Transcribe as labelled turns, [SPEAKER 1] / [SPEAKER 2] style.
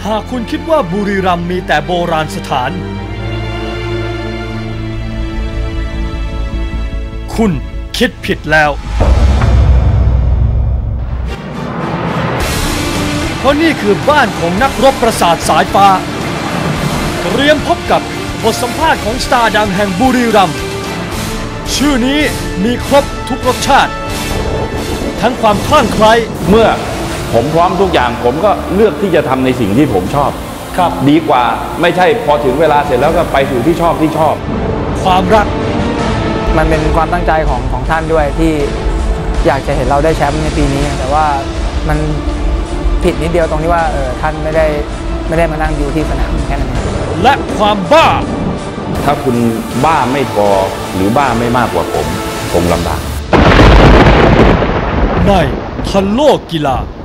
[SPEAKER 1] หากคุณคิดว่าบุรีรัมย์มีแต่โบราณสถานคุณคิดผิดแล้วเพราะนี่คือบ้านของนักรบประสาทสายฟ้าเตรียมพบกับบทสัมภาษณ์ของสตาร์ดังแห่งบุรีรัมย์ชื่อนี้มีครบทุกรสชาติทั้งความคลั่งไคล้
[SPEAKER 2] เมื่อผมพร้อมทุกอย่างผมก็เลือกที่จะทำในสิ่งที่ผมชอบ
[SPEAKER 1] ครับ
[SPEAKER 2] ดีกว่าไม่ใช่พอถึงเวลาเสร็จแล้วก็ไปสู่ที่ชอบ
[SPEAKER 1] ความรัก
[SPEAKER 3] มันเป็นความตั้งใจของท่านด้วยที่อยากจะเห็นเราได้แชมป์ในปีนี้แต่ว่ามันผิดนิดเดียวตรงที่ว่าท่านไม่ได้มานั่งอยู่ที่สนามแค่นั้น
[SPEAKER 1] และความบ้า
[SPEAKER 2] ถ้าคุณบ้าไม่พอหรือบ้าไม่มากกว่าผมคงลำบาก
[SPEAKER 1] ในทันโลกกีฬา